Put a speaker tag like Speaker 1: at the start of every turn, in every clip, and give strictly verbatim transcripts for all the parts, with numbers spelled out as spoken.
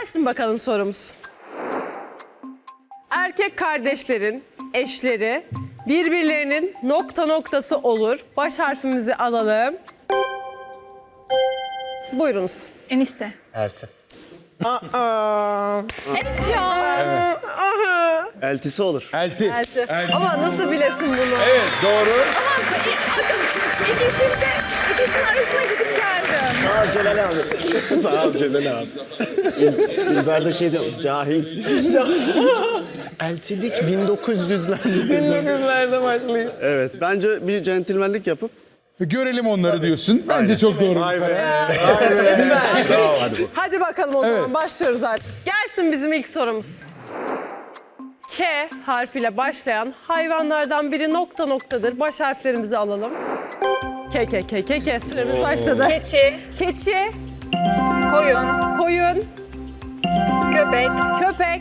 Speaker 1: Gelsin bakalım sorumuz. Erkek kardeşlerin eşleri birbirlerinin nokta noktası olur. Baş harfimizi alalım. Buyurunuz.
Speaker 2: Enişte.
Speaker 3: Elti.
Speaker 1: Aa.
Speaker 2: Eşya.
Speaker 3: Eltisi olur.
Speaker 4: Elti.
Speaker 1: Elti. Ama nasıl bilesin bunu?
Speaker 4: Evet doğru.
Speaker 2: Bakın ikisinin de ikisinin arasına gidip geldim.
Speaker 3: Sağ ol Celal abi. Sağ ol Celal abi. İl, İlber'de şey diyor, cahil. Eltilik bin dokuz yüzlerde.
Speaker 1: bin dokuz yüzlerde başlıyor.
Speaker 3: Evet, bence bir centilmenlik yapıp.
Speaker 4: Görelim onları diyorsun. Bence çok doğru.
Speaker 3: Vay be.
Speaker 1: Bravo,
Speaker 3: hadi bakalım.
Speaker 1: Hadi bakalım o zaman
Speaker 4: Evet.
Speaker 1: başlıyoruz artık. Gelsin bizim ilk sorumuz. K harfiyle başlayan hayvanlardan biri nokta noktadır. Baş harflerimizi alalım. K, K, K, K, K. Süremiz başladı.
Speaker 2: Keçi,
Speaker 1: Keçi,
Speaker 2: koyun,
Speaker 1: koyun,
Speaker 2: köpek,
Speaker 1: köpek,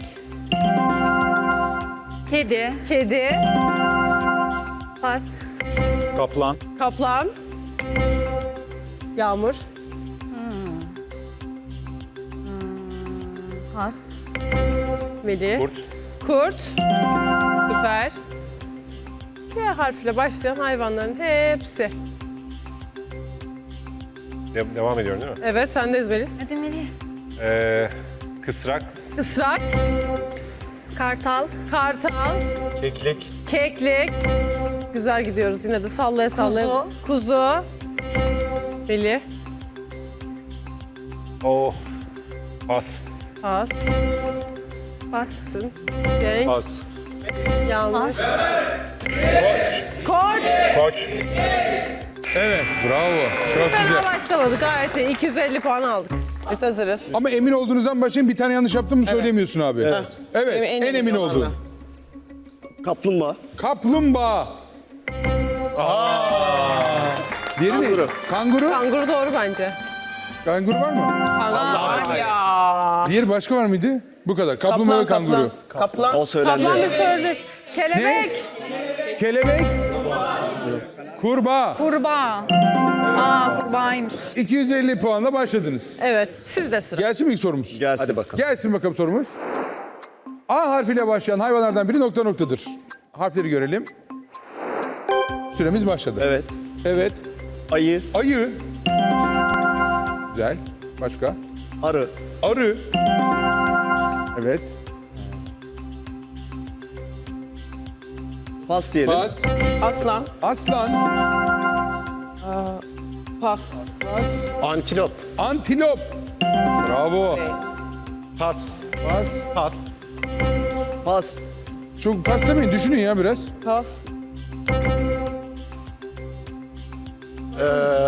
Speaker 2: kedi,
Speaker 1: kedi,
Speaker 2: pas,
Speaker 4: Kaplan.
Speaker 1: kaplan, yağmur,
Speaker 2: pas,
Speaker 1: Veli,
Speaker 4: Kurt.
Speaker 1: kurt, süper. K harfiyle başlayan hayvanların hepsi.
Speaker 5: De- devam ediyorum değil mi?
Speaker 1: Evet, sendeyiz Veli.
Speaker 2: hadi Melih,
Speaker 5: Ee, kısrak,
Speaker 1: Israk,
Speaker 2: kartal,
Speaker 1: kartal,
Speaker 3: Keklik.
Speaker 1: keklik. Güzel gidiyoruz yine de sallaya sallaya.
Speaker 2: Kuzu.
Speaker 1: Kuzu. Veli.
Speaker 5: o, pas,
Speaker 1: Pas.
Speaker 2: pas,
Speaker 1: Cenk.
Speaker 5: pas,
Speaker 1: Yanlış.
Speaker 2: pas,
Speaker 1: Koç.
Speaker 5: koç,
Speaker 4: Evet bravo. Çok
Speaker 1: Fena
Speaker 4: güzel.
Speaker 1: başlamadık gayet iyi. iki yüz elli puan aldık.
Speaker 6: Biz hazırız.
Speaker 4: Ama emin olduğunuzdan başlayın, bir tane yanlış yaptın mı söylemiyorsun abi. Evet. Evet
Speaker 6: En
Speaker 4: en,
Speaker 6: emin
Speaker 4: emin
Speaker 6: olanla.
Speaker 4: oldun.
Speaker 3: Kaplumbağa.
Speaker 4: Kaplumbağa. Diğeri ne?
Speaker 3: Kanguru.
Speaker 4: Kanguru.
Speaker 1: Kanguru doğru bence.
Speaker 4: Kanguru var mı?
Speaker 1: Kanguru. Ya.
Speaker 4: Diğeri başka var mıydı? Bu kadar. Kaplumbağa ve
Speaker 6: Kaplan,
Speaker 4: kanguru.
Speaker 6: kaplan. Kaplan.
Speaker 3: O söylendi.
Speaker 1: Kaplan mı söyledik? Kelebek.
Speaker 4: Kelebek. Kurbağa.
Speaker 2: kurbağa. Aa kurbağaymış.
Speaker 4: iki yüz elli puanla başladınız.
Speaker 1: Evet. Sizde sıra.
Speaker 4: Gelsin mi ilk sorumuz?
Speaker 3: Gelsin. Hadi bakalım.
Speaker 4: Gelsin bakalım sorumuz. A harfiyle başlayan hayvanlardan biri nokta noktadır. Harfleri görelim. Süremiz başladı.
Speaker 3: Evet.
Speaker 4: Evet.
Speaker 3: Ayı.
Speaker 4: Ayı. Güzel. Başka?
Speaker 3: Arı.
Speaker 4: Arı. Evet.
Speaker 3: Pas diyelim.
Speaker 4: Pas.
Speaker 6: Aslan.
Speaker 4: Aslan.
Speaker 6: Pas.
Speaker 4: Pas.
Speaker 3: Antilop.
Speaker 4: Antilop. Bravo.
Speaker 3: Pas.
Speaker 4: Pas.
Speaker 3: Pas. Pas.
Speaker 4: Çok pas demeyin. Düşünün ya biraz.
Speaker 6: Pas.
Speaker 3: Ee,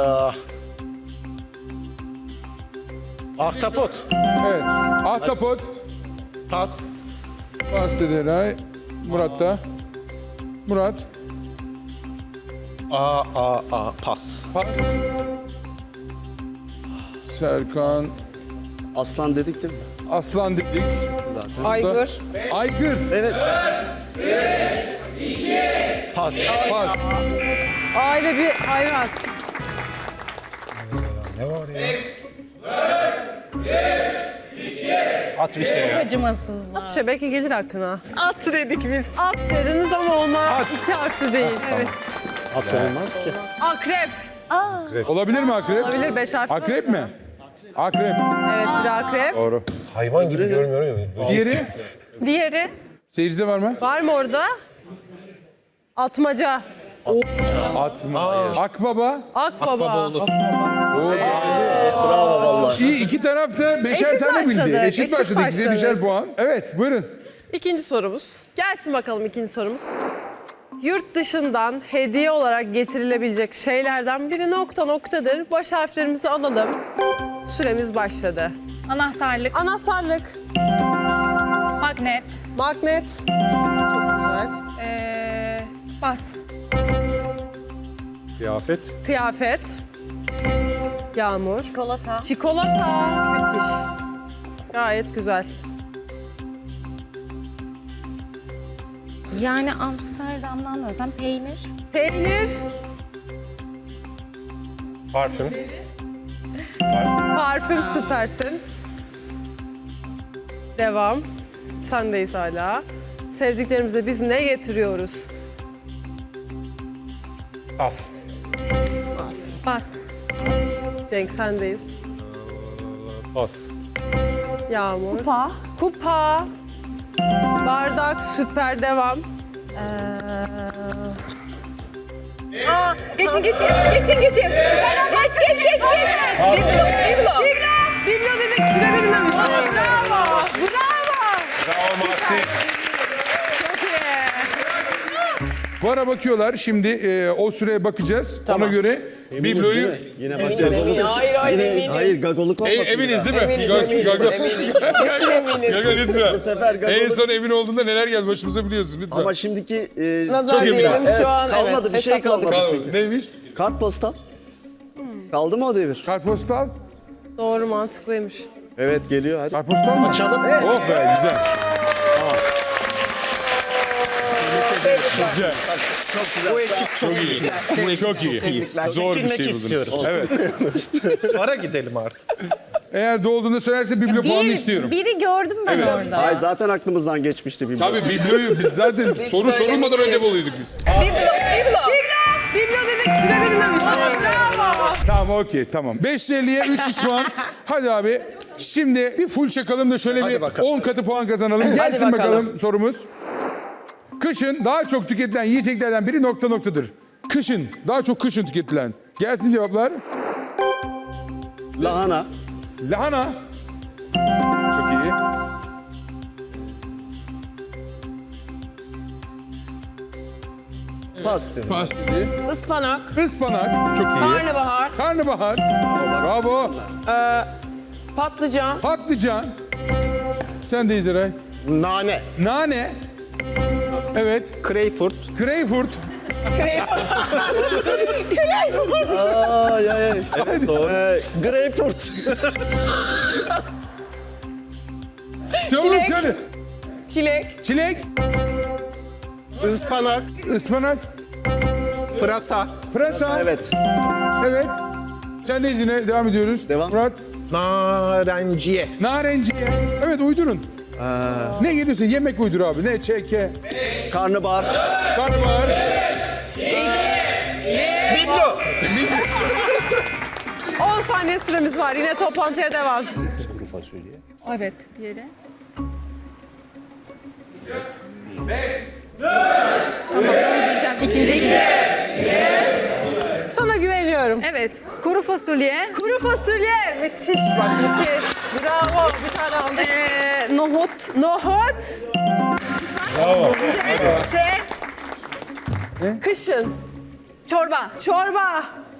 Speaker 3: ahtapot.
Speaker 4: Evet. Ahtapot.
Speaker 3: Pas.
Speaker 4: Pas dedi Eray. Murat da. Murat.
Speaker 3: A, a, a. Pas.
Speaker 4: Pas. Serkan.
Speaker 3: Aslan dedik değil mi?
Speaker 4: Aslan dedik.
Speaker 6: Aygır.
Speaker 4: Aygır.
Speaker 3: Evet. Pas.
Speaker 4: Pas.
Speaker 1: Aile bir hayvan.
Speaker 5: at bir şey ya.
Speaker 2: Acımasızlar.
Speaker 1: Şey belki gelir aklına.
Speaker 2: At dedik biz.
Speaker 1: At dediniz ama onlar
Speaker 4: At.
Speaker 1: iki harfli değil. Evet.
Speaker 3: At olmaz ki.
Speaker 1: Akrep.
Speaker 4: Olabilir mi akrep?
Speaker 1: Olabilir beş harfli.
Speaker 4: Akrep mi? Akrep.
Speaker 1: Evet bir akrep.
Speaker 4: Doğru.
Speaker 5: Hayvan gibi görmüyorum ya.
Speaker 4: Diğeri?
Speaker 1: Diğeri.
Speaker 4: Seyircide var mı?
Speaker 1: Var mı orada? Atmaca.
Speaker 4: Atma. Akbaba.
Speaker 1: Akbaba.
Speaker 3: Bravo vallahi.
Speaker 4: İyi, iki taraf da beşer
Speaker 1: Eşit
Speaker 4: tane bildi.
Speaker 1: başladı,
Speaker 4: Eşit,
Speaker 1: eşit
Speaker 4: başladı. İkisi de
Speaker 1: başladı.
Speaker 4: beşer puan. Evet buyurun.
Speaker 1: İkinci sorumuz. Gelsin bakalım ikinci sorumuz. Yurt dışından hediye olarak getirilebilecek şeylerden biri nokta noktadır. Baş harflerimizi alalım. Süremiz başladı.
Speaker 2: Anahtarlık,
Speaker 1: Anahtarlık,
Speaker 2: magnet,
Speaker 1: magnet. Çok güzel.
Speaker 2: ee, pas,
Speaker 3: Kıyafet.
Speaker 1: Kıyafet. Yağmur.
Speaker 6: Çikolata.
Speaker 1: Çikolata. Müthiş. Gayet güzel.
Speaker 7: Yani Amsterdam'dan özen peynir.
Speaker 1: Peynir.
Speaker 5: Parfüm,
Speaker 1: Parfüm süpersin. Devam. Sendeyiz hala. Sevdiklerimize biz ne getiriyoruz?
Speaker 5: Pas.
Speaker 2: Pas.
Speaker 1: Cenk sendeyiz.
Speaker 5: Pas.
Speaker 1: Yağmur.
Speaker 2: Kupa.
Speaker 1: Kupa. Bardak, süper, devam.
Speaker 2: Aa, geçin geçin. Geçin geçin. Geç geç geç geç. Biblo. Biblo.
Speaker 1: Biblo dedik, süre verilmemiş. Bravo. Bravo.
Speaker 5: Bravo Mahsin.
Speaker 1: Çok iyi.
Speaker 4: Vara bakıyorlar. Şimdi e, o süreye bakacağız. Ona göre bibloyu...
Speaker 3: Yine
Speaker 6: Eminiz,
Speaker 3: başka.
Speaker 6: eminiz. Hayır hayır
Speaker 3: Yine,
Speaker 6: eminiz.
Speaker 3: hayır gagoluk
Speaker 4: E,
Speaker 3: olmasın.
Speaker 4: eminiz değil mi?
Speaker 6: Eminiz,
Speaker 4: Gag-
Speaker 6: eminiz,
Speaker 4: gag-
Speaker 6: eminiz. Kesin eminiz.
Speaker 4: Gaga lütfen.
Speaker 3: Bu sefer gagoluk.
Speaker 4: En son emin olduğunda neler geldi başımıza biliyorsun lütfen.
Speaker 3: Ama şimdiki e,
Speaker 6: Nazar
Speaker 3: çok
Speaker 6: diyelim
Speaker 3: eminiz.
Speaker 6: şu an,
Speaker 3: Kalmadı
Speaker 6: evet,
Speaker 3: bir şey
Speaker 6: hesapladık.
Speaker 3: kalmadı
Speaker 4: Kaldı.
Speaker 3: çünkü.
Speaker 4: Neymiş?
Speaker 3: Kartpostal. Kaldı mı o devir?
Speaker 4: Kartpostal.
Speaker 1: Doğru, mantıklıymış.
Speaker 3: Evet geliyor hadi.
Speaker 4: Kartpostal mı?
Speaker 3: Açalım.
Speaker 4: Oh be güzel. Güzel.
Speaker 3: Bu ekip çok iyi.
Speaker 4: Bu çok iyi.
Speaker 6: Tebrikler.
Speaker 4: Zor bir şey
Speaker 8: Çekilmek
Speaker 4: buldunuz.
Speaker 8: istiyorum.
Speaker 4: Evet.
Speaker 8: Ara gidelim artık.
Speaker 4: Eğer doğduğunda söylerse biblo puanı
Speaker 7: Bir,
Speaker 4: istiyorum.
Speaker 7: biri gördüm ben orada.
Speaker 3: Ay zaten aklımızdan geçmişti bir
Speaker 4: Tabii bibloyu biz zaten soru sorulmadan önce buluyduk biz.
Speaker 2: Biblo. Biblo.
Speaker 1: Biblo dedik, süre verilmemiş. Bravo.
Speaker 4: Tamam okey tamam. beş yüz elliye üç yüz puan. Hadi abi. Şimdi bir full çakalım da şöyle bir
Speaker 8: bakalım.
Speaker 4: on katı puan kazanalım. Gelsin bakalım.
Speaker 6: bakalım.
Speaker 4: sorumuz. Kışın daha çok tüketilen yiyeceklerden biri nokta noktadır. Kışın, daha çok kışın tüketilen. Gelsin cevaplar.
Speaker 3: Lahana.
Speaker 4: Lahana. Çok iyi.
Speaker 3: Pas dedim.
Speaker 4: Pas dedi.
Speaker 6: Ispanak.
Speaker 4: Ispanak. Çok iyi.
Speaker 6: Karnabahar.
Speaker 4: Karnabahar. Bravo.
Speaker 6: Patlıcan.
Speaker 4: Patlıcan. Sen de İzray.
Speaker 8: Nane.
Speaker 4: Nane. Evet.
Speaker 8: Greyfurt.
Speaker 4: Greyfurt.
Speaker 3: Ay ay ay. Evet doğru. Ee, greyfurt.
Speaker 4: Çabuk
Speaker 6: Çilek.
Speaker 4: söyle.
Speaker 6: Çilek.
Speaker 4: Çilek.
Speaker 8: Ispanak.
Speaker 4: Ispanak.
Speaker 8: Pırasa.
Speaker 4: Pırasa.
Speaker 3: Evet.
Speaker 4: Evet. Sen de izine devam ediyoruz.
Speaker 3: Devam.
Speaker 4: Murat.
Speaker 8: Narenciye.
Speaker 4: Narenciye. Evet uydurun. Ne geliyorsa yemek uydur abi. Ne? Çeke.
Speaker 3: Karnabahar.
Speaker 4: Karnabahar.
Speaker 8: Biblo.
Speaker 1: on saniye süremiz var. Yine toplantıya devam.
Speaker 2: Evet. Diğeri.
Speaker 1: Diyeceğim ikinci. Sana güveniyorum.
Speaker 2: Evet. Kuru fasulye.
Speaker 1: Kuru fasulye. Müthiş bak, müthiş. Bravo. Bir tane aldık.
Speaker 2: Ee, nohut.
Speaker 1: Nohut.
Speaker 2: Te.
Speaker 1: Kışın.
Speaker 2: Çorba.
Speaker 1: Çorba.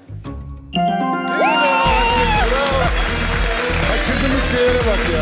Speaker 4: Kaçırdığımız şeylere bak ya.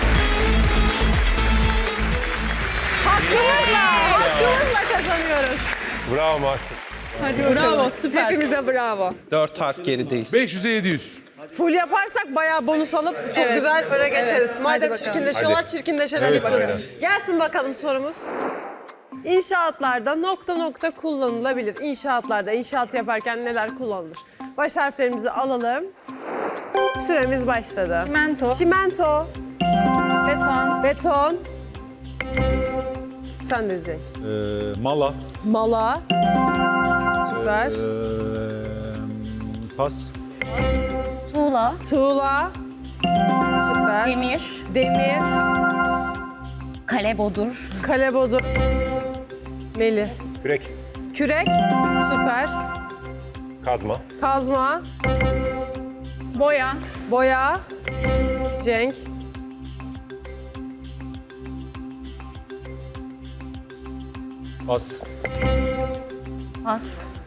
Speaker 1: Hakkımızla. Hakkımızla kazanıyoruz.
Speaker 5: Bravo Mahsin.
Speaker 1: Bravo, süper.
Speaker 2: Hepimize bravo.
Speaker 8: Dört harf gerideyiz.
Speaker 4: beş yüze yedi yüz.
Speaker 1: Full yaparsak bayağı bonus alıp çok
Speaker 2: Evet.
Speaker 1: güzel öne geçeriz.
Speaker 2: Evet.
Speaker 1: Madem
Speaker 2: Hadi bakalım.
Speaker 1: çirkinleşiyorlar,
Speaker 5: Hadi.
Speaker 1: çirkinleşelim.
Speaker 5: Evet,
Speaker 1: bakalım.
Speaker 5: aynen.
Speaker 1: Gelsin bakalım sorumuz. İnşaatlarda nokta nokta kullanılabilir. İnşaatlarda inşaat yaparken neler kullanılır? Baş harflerimizi alalım. Süremiz başladı.
Speaker 2: Çimento.
Speaker 1: Çimento,
Speaker 2: Beton.
Speaker 1: beton. Sen de Cenk.
Speaker 8: Ee, mala.
Speaker 1: Mala. Süper.
Speaker 8: Ee, pas.
Speaker 7: Tuğla,
Speaker 1: Tuğla. Süper.
Speaker 7: demir,
Speaker 1: Demir.
Speaker 7: kalebodur,
Speaker 1: Kalebodur. Melih.
Speaker 5: Kürek.
Speaker 1: Kürek. Süper.
Speaker 5: Kazma.
Speaker 1: Kazma.
Speaker 2: Boya.
Speaker 1: Boya. Cenk.
Speaker 5: Pas.
Speaker 7: pas,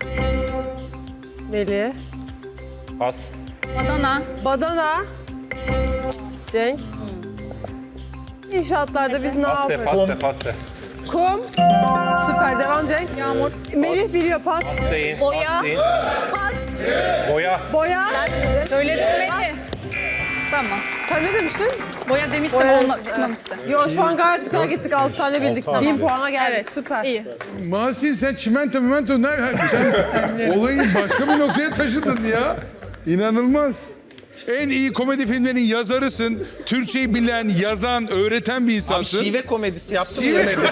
Speaker 1: Melih.
Speaker 5: Pas.
Speaker 2: Badana.
Speaker 1: Badana. Cenk. İnşaatlarda biz ne
Speaker 5: Paste,
Speaker 1: yapıyoruz?
Speaker 5: paste, paste.
Speaker 1: Kum. Süper. Devam Cenk. Yağmur. Melih biliyor. Pat.
Speaker 5: Pasteyin,
Speaker 7: Boya.
Speaker 5: pasteyin.
Speaker 7: pas,
Speaker 5: Boya.
Speaker 1: Boya.
Speaker 2: Söyledim Melih. Tamam.
Speaker 1: Sen ne demiştin?
Speaker 2: Boya demiştim
Speaker 1: Boya
Speaker 2: olma,
Speaker 1: demiştin.
Speaker 2: çıkmamıştı.
Speaker 1: Yo şu an gayet güzel gittik. altı tane bildik. Bin puana geldik.
Speaker 2: Evet.
Speaker 1: Süper.
Speaker 2: İyi.
Speaker 4: Mahsin sen çimento mimento nerede? Sen olayı başka bir noktaya taşıdın ya. İnanılmaz. En iyi komedi filmlerinin yazarısın. Türkçeyi bilen, yazan, öğreten bir
Speaker 8: Abi
Speaker 4: insansın.
Speaker 8: şive komedisi yaptım
Speaker 4: Şive-
Speaker 8: yemedi.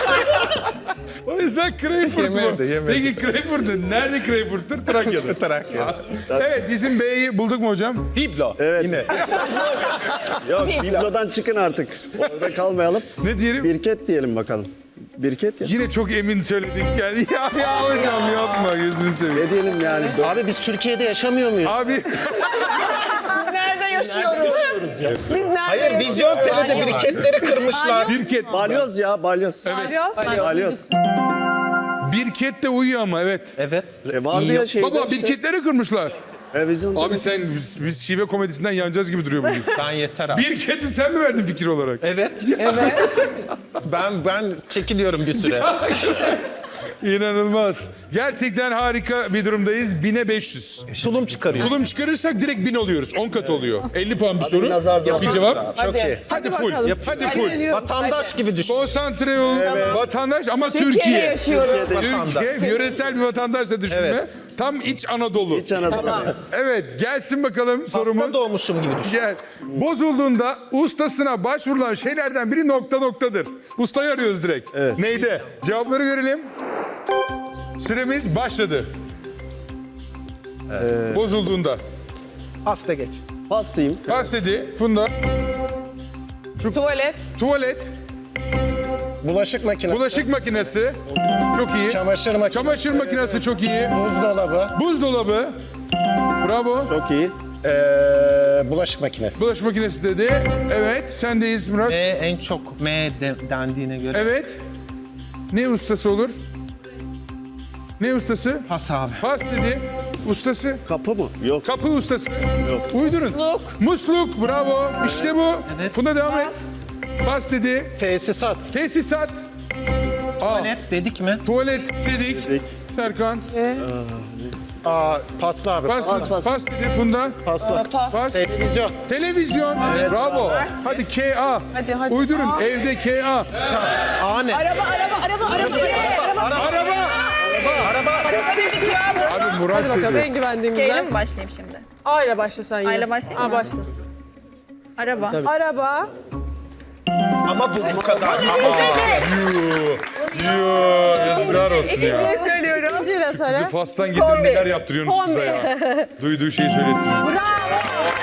Speaker 4: O yüzden Crayford bu.
Speaker 8: Yemedi, yemedi.
Speaker 4: Peki Crayford'un nerede Crayford'tur? Trakya'da.
Speaker 8: Trakya.
Speaker 4: Evet, bizim B'yi bulduk mu hocam?
Speaker 8: Biblo.
Speaker 3: Evet.
Speaker 8: Yine.
Speaker 3: Yok biblodan çıkın artık. Orada kalmayalım.
Speaker 4: Ne diyelim?
Speaker 3: Birket diyelim bakalım. Birket ya.
Speaker 4: Yine çok emin söyledik yani. Ya, ya hocam yapma gözünü seveyim.
Speaker 3: Ne diyelim yani?
Speaker 9: Abi biz Türkiye'de yaşamıyor muyuz?
Speaker 4: Abi
Speaker 6: Biz nerede yaşıyoruz? Biz nerede
Speaker 8: Hayır
Speaker 6: yaşıyoruz?
Speaker 8: vizyon telede biriketleri kırmışlar.
Speaker 4: Birket.
Speaker 3: Balyoz ya balyoz.
Speaker 1: Balyoz.
Speaker 3: Balyoz.
Speaker 4: Birket de uyuyor ama evet.
Speaker 8: Evet.
Speaker 3: E vardı ya şeyde.
Speaker 4: Baba birketleri kırmışlar.
Speaker 3: E, vizyonda
Speaker 4: Abi sen biz, biz şive komedisinden yanacağız gibi duruyor bugün.
Speaker 8: Ben yeter abi.
Speaker 4: Birket'i sen mi verdin fikir olarak?
Speaker 8: Evet.
Speaker 6: Evet.
Speaker 8: Ben ben çekiliyorum bir süre.
Speaker 4: İnanılmaz. Gerçekten harika bir durumdayız. Bine beş yüz.
Speaker 8: Tulum çıkarıyor.
Speaker 4: Tulum çıkarırsak direkt bin oluyoruz. on kat oluyor. elli puan bir soru.
Speaker 3: nazar
Speaker 4: Bir
Speaker 3: değdi.
Speaker 4: cevap.
Speaker 8: Çok iyi.
Speaker 4: Hadi full.
Speaker 1: bakalım.
Speaker 4: Yap, hadi
Speaker 1: Hadi
Speaker 4: full.
Speaker 1: deniyorum.
Speaker 8: Vatandaş gibi düşün.
Speaker 4: Konsantre ol. Vatandaş ama
Speaker 6: Türkiye'de
Speaker 4: Türkiye.
Speaker 6: yaşıyoruz.
Speaker 4: Türkiye, yöresel bir vatandaşla düşünme.
Speaker 8: Evet.
Speaker 4: Tam iç Anadolu.
Speaker 3: İç Anadolu.
Speaker 4: Evet, gelsin bakalım sorumuz.
Speaker 8: Hasta doğmuşum gibi düşün.
Speaker 4: Gel. Bozulduğunda ustasına başvurulan şeylerden biri nokta noktadır. Ustayı arıyoruz direkt. Neyde? Cevapları görelim. Süremiz başladı. Bozulduğunda.
Speaker 8: Hasta geç.
Speaker 3: Pastayım.
Speaker 4: Pas dedi Funda.
Speaker 6: Tuvalet.
Speaker 4: Tuvalet.
Speaker 9: Bulaşık makinesi,
Speaker 4: Bulaşık makinesi. Çok iyi.
Speaker 9: çamaşır makinesi,
Speaker 4: Çamaşır makinesi çok iyi.
Speaker 9: buzdolabı,
Speaker 4: Buzdolabı. Bravo.
Speaker 3: Çok iyi.
Speaker 9: ee, bulaşık makinesi.
Speaker 4: Bulaşık makinesi dedi. Evet. Sendeyiz Murat.
Speaker 8: E en çok M de, dendiğine göre.
Speaker 4: Evet. Ne ustası olur? Ne ustası?
Speaker 8: Pas abi.
Speaker 4: Pas dedi. Ustası.
Speaker 3: Kapı mı? Yok.
Speaker 4: Kapı ustası.
Speaker 3: Yok.
Speaker 4: Uydurun.
Speaker 6: Musluk.
Speaker 4: Musluk. Bravo. İşte bu.
Speaker 8: Evet.
Speaker 4: Funda devam et.
Speaker 6: Pas.
Speaker 4: Pas dedi.
Speaker 9: Tesisat,
Speaker 4: Tesisat. Aa,
Speaker 8: Net dedik mi?
Speaker 4: tuvalet dedik.
Speaker 3: Dedik.
Speaker 4: Serkan.
Speaker 9: aa, paslı abi,
Speaker 4: Pas,
Speaker 3: Pas, pas.
Speaker 4: pas dedi Funda.
Speaker 9: paslı.
Speaker 6: Pas.
Speaker 4: Pas.
Speaker 9: Televizyon,
Speaker 4: Televizyon. Bravo. Hadi K A.
Speaker 6: Hadi, hadi.
Speaker 4: Uydurun.
Speaker 6: A.
Speaker 4: Evde K A.
Speaker 8: A ne?
Speaker 6: Araba, araba, araba, araba.
Speaker 4: Araba.
Speaker 6: Araba dedik ya.
Speaker 4: Abi Murat
Speaker 1: Hadi bakalım
Speaker 4: dedi.
Speaker 1: en güvendiğimizden.
Speaker 7: G'yle mi başlayayım şimdi?
Speaker 1: A ile başla sen yine.
Speaker 7: A ile başlayayım
Speaker 1: A
Speaker 7: mı?
Speaker 1: başla.
Speaker 7: Araba.
Speaker 1: Araba.
Speaker 8: Ama bu bu kadar.
Speaker 4: Yazıklar olsun ya.
Speaker 1: söylüyorum. İkinciyle söyle.
Speaker 4: Fas'tan getirip neler yaptırıyorsunuz kıza ya. Duyduğu şeyi söylettiriyor.
Speaker 1: Bravo.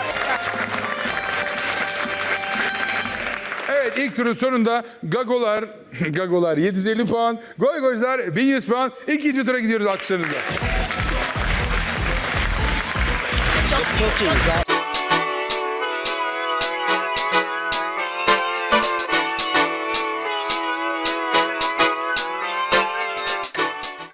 Speaker 4: Evet ilk turun sonunda Gagolar, Gagolar yedi yüz elli puan, Goygoylar bin yüz puan. İkinci tura gidiyoruz alkışlarınızla.
Speaker 3: Çok iyi. Sağ ol.